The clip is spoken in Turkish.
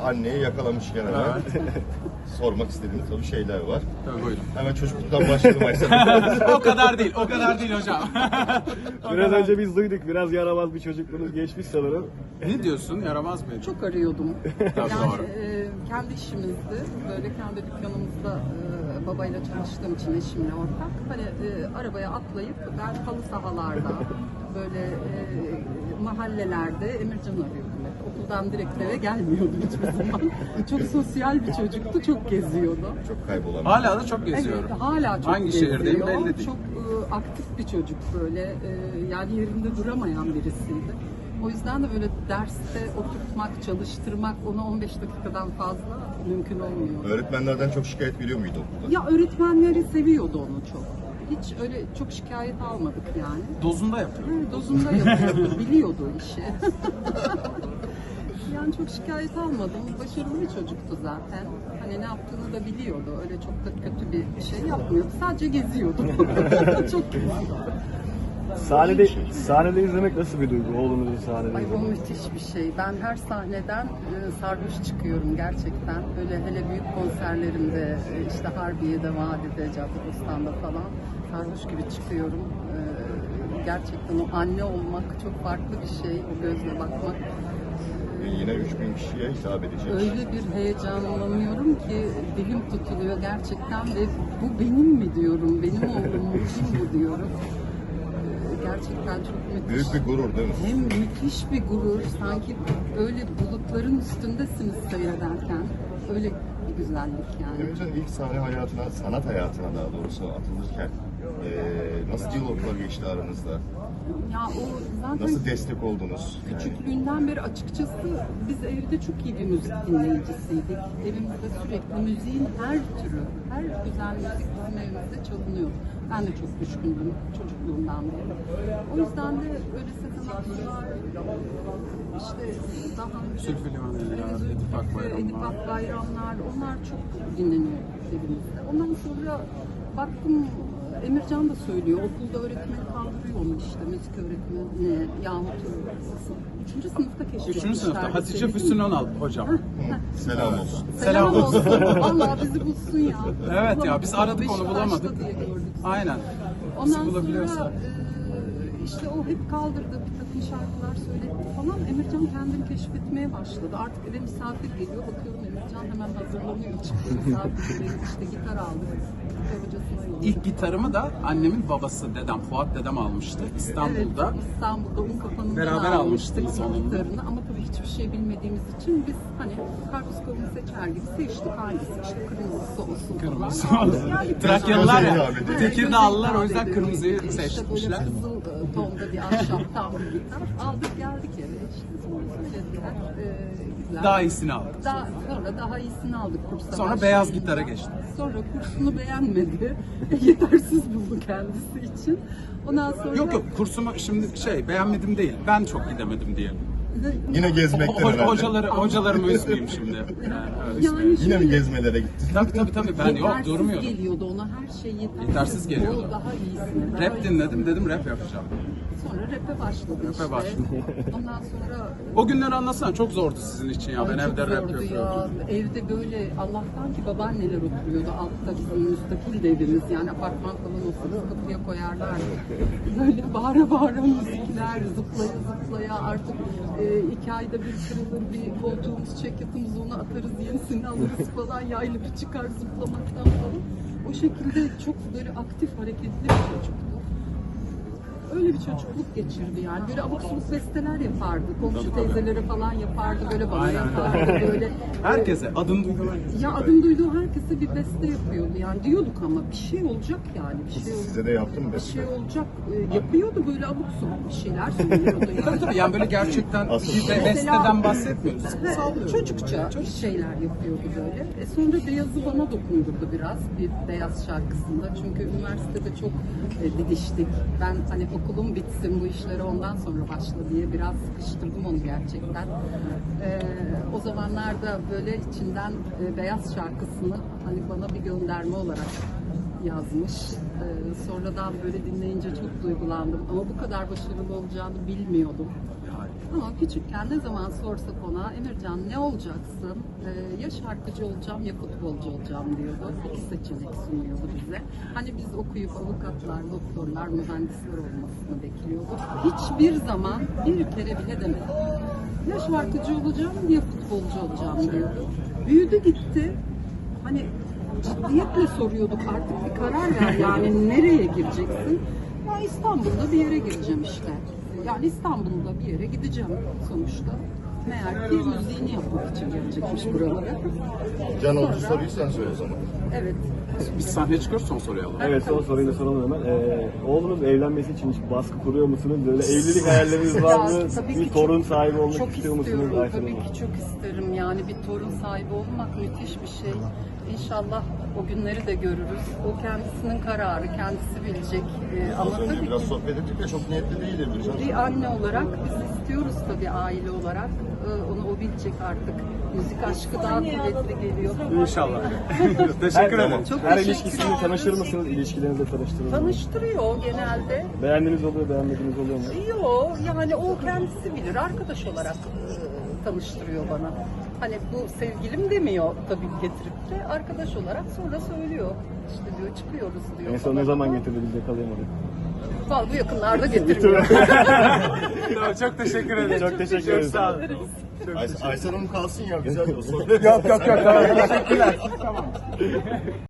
anneyi yakalamışken hemen sormak istediğimiz tabii şeyler var. Tabii buyurun. Hemen çocukluktan başlayalım Aysel. O kadar değil, o kadar değil hocam. Biraz önce biz duyduk. Biraz yaramaz bir çocukluğunuz geçmiş sanırım. Ne diyorsun? Yaramaz mı? Çok arıyordum. Tabii Yani doğru. kendi işimizdi. Böyle kendi dükkanımızda babayla çalıştığım için eşimle ortak. Hani arabaya atlayıp ben halı sahalarda böyle mahallelerde Emircan arıyordum. Okuldan direkt eve gelmiyordum hiçbir zaman. Çok sosyal bir çocuktu. Çok geziyordu. Çok kaybolan. Hala da çok geziyorum. Evet, hala çok Hangi geziyor. şehirdeyim belli değil. Çok aktif bir çocuk böyle. Yani yerinde duramayan birisiydi. O yüzden de böyle derste oturtmak, çalıştırmak ona 15 dakikadan fazla mümkün olmuyor. Öğretmenlerden çok şikayet geliyor muydu okulda? Ya öğretmenleri seviyordu onu çok. Hiç öyle çok şikayet almadık yani. Dozunda yapıyorum. Dozunda yapıyordu, biliyordu işi. Yani çok şikayet almadım. Başarılı bir çocuktu zaten. Hani ne yaptığını da biliyordu. Öyle çok da kötü bir şey yapmıyordu. Sadece geziyordu. Çok geziyordu. Sahnede izlemek nasıl bir duygu? Oğlunuzu sahnede Ay o izlemek. müthiş bir şey. Ben her sahneden sarhoş çıkıyorum gerçekten. Öyle hele büyük konserlerimde işte Harbiye'de, Vadi'de, Caddebostan'da falan sarhoş gibi çıkıyorum. Gerçekten o anne olmak çok farklı bir şey. O gözle bakmak. Yine 3000 kişiye hitap edecek. Öyle bir heyecanlanıyorum ki dilim tutuluyor gerçekten ve bu benim mi diyorum, benim oğlum mu, kim bu diyorum. Gerçekten çok müthiş. Büyük bir gurur değil mi? Hem müthiş bir gurur, sanki öyle bulutların üstündesiniz seyrederken. Öyle bir güzellik yani. Emircan ilk sahne hayatına, sanat hayatına daha doğrusu atılırken nasıl diyaloglar geçti aranızda? Ya o zaten Nasıl destek oldunuz? Yani, küçüklüğünden beri açıkçası biz evde çok iyi bir müzik dinleyicisiydik. Evimizde sürekli müziğin her türü, her güzel müzik bizim evimizde çalınıyor. Ben de çok düşkündüm çocukluğumdan beri. O yüzden de öyle Sezen Aksu'lar, işte daha önce Zülfü Livaneli, Edip Akbayramlar. Edip Akbayramlar, onlar çok dinleniyor evimizde. Ondan sonra baktım Emircan da söylüyor, okulda öğretmeni kaldırıyormuş işte, müzik öğretmeni yahut 3. sınıfta keşfetmişler. 3. sınıfta Hatice Füsun Önal hocam. selam olsun. Selam olsun. Vallahi bizi bulsun ya. Evet ya, biz aradık onu, Beşiktaş'ta bulamadık. diye gördük. Aynen. Bizi Ondan bulabiliyorsa. sonra işte o hep kaldırdı, bir takım şarkılar söyledi falan. Emircan kendini keşfetmeye başladı. Artık eve misafir geliyor, bakıyorum Emircan hemen hazırlanıyor. Çıktı misafirleri, işte gitar aldık. Gitar hocasına yolladık. İlk gitarımı da annemin babası, dedem, Fuat dedem almıştı İstanbul'da. Evet, İstanbul'da Unkapanı'ndan Beraber almıştınız onun. gitarını. Ama tabii hiçbir şey bilmediğimiz için biz hani karpuz kavunu seçer gibi seçtik, hangisi işte kırmızısı olsun Kırmızı falan. olsun. Yani Trakyalılar ya, Göze hitap ediyor. Tekirdağlılar o Göze yüzden hitap kırmızıyı ediyor. İşte seçmişler. böyle kızıl tonda bir ahşap tam bir gitar. Aldık geldik eve işte sonra söylediler. Güzel. Daha iyisini aldık. Sonra daha iyisini aldık kursa. Sonra başlayınca. beyaz gitara geçtim. Sonra kursunu beğenmedi. Yetersiz buldu kendisi için. Ondan sonra... Yok kursumu şimdi beğenmedim değil. Ben çok gidemedim diyelim. Yine gezmekten herhalde. Hocalarımı üzmeyeyim şimdi. Yani Yine şöyle, mi gezmelere gittin? Tabii ben yok yetersiz durmuyordum. geliyordu ona, her şey yetersiz. Yetersiz geliyordu. O daha iyisini. daha Rap iyisini. dinledim, dedim rap yapacağım. Sonra rap'e başladı Rap'e işte. başladı. Ondan sonra... O günleri anlatsana, çok zordu sizin için ya. Ben Ay, evde çok rap zordu yapıyordum. ya. Evde böyle Allah'tan ki babaanneler oturuyordu. Altta bizim müstakil de evimiz. Yani apartman falan olsa kapıya koyarlardı. Böyle bağıra bağıra müzikler, zıplaya zıplaya artık 2 ayda bir kırılır bir koltuğumuz, çekyatımız, onu atarız, yenisini alırız falan. Yaylı bir çıkar zıplamaktan falan. O şekilde çok böyle aktif, hareketli bir çocuktu. Öyle bir çocukluk geçirdi yani. Böyle abuk subuk besteler yapardı. Komşu teyzelere falan yapardı. Böyle bana yapardı. Böyle Herkese adını duydum. ya adım duyduğu herkese bir beste yapıyordu. Yani diyorduk ama bir şey olacak yani. Bir şey olacak. Size de yaptım mı Bir beste? şey olacak. Yapıyordu böyle abuk subuk bir şeyler söylüyordu yani. Tabii yani böyle gerçekten Asıl- bir de besteden bahsetmiyoruz. Çocukça bir şeyler yapıyordu böyle. Beyazı Beyaz'ı bana dokundurdu biraz bir Beyaz şarkısında. Çünkü üniversitede çok didiştik. Ben hani okulum bitsin bu işlere ondan sonra başla diye biraz sıkıştırdım onu gerçekten. O zamanlarda böyle içinden Beyaz şarkısını hani bana bir gönderme olarak yazmış. Sonradan böyle dinleyince çok duygulandım. Ama bu kadar başarılı olacağını bilmiyordum. Ama küçükken ne zaman sorsak ona, Emircan ne olacaksın? Ya şarkıcı olacağım ya futbolcu olacağım diyordu. İki seçenek sunuyordu bize. Hani biz okuyup avukatlar, doktorlar, mühendisler olmasını bekliyorduk. Hiçbir zaman bir kere bile demedi. Ya şarkıcı olacağım ya futbolcu olacağım diyordu. Büyüdü gitti. Hani ciddiyetle soruyorduk, artık bir karar ver, yani nereye gireceksin? Ya İstanbul'da bir yere gireceğim işte. Yani İstanbul'da bir yere gideceğim sonuçta. Meğer ki müziğini yapmak için gelecekmiş buralara. Can Olcu soruyu sen söyle o zaman. Evet. Biz sahneye çıkıyoruz, son soruyu alalım. Evet, son soruyu da soralım hemen. Oğlunuz evlenmesi için hiç baskı kuruyor musunuz? Böyle evlilik hayalleriniz var mı? Ya, tabii Bir ki torun sahibi olmak çok istiyor musunuz istiyorum, Aysel tabii Hanım? ki çok isterim. Yani bir torun sahibi olmak müthiş bir şey. İnşallah o günleri de görürüz. O kendisinin kararı, kendisi bilecek. Ama Az önce tabii biraz ki sohbet ettik de çok niyetli değildir bir can. bir anne olarak biz istiyoruz tabii, aile olarak. Onu o bilecek artık. Müzik aşkı daha kuvvetli geliyor. İnşallah. Teşekkür ederim. Çok Her teşekkür ilişkisini tanıştır mısınız? İlişkilerinizi tanıştırır mısınız? Tanıştırıyor genelde. Beğendiğiniz oluyor, beğenmediğiniz oluyor mu? Yok, yani o kendisi bilir. Arkadaş olarak tanıştırıyor bana. Hani bu sevgilim demiyor tabii getirip de, arkadaş olarak sonra söylüyor. İşte diyor çıkıyoruz diyor. En son falan. ne zaman getirdi, biz yakalayamadık. Vallahi bu yakınlarda getiriyor. Çok teşekkür ederim. Çok teşekkür ederiz. Sağ olun. Aysel Hanım kalsın ya, güzel o soru. Yok. Tamam. Teşekkürler. Tamam.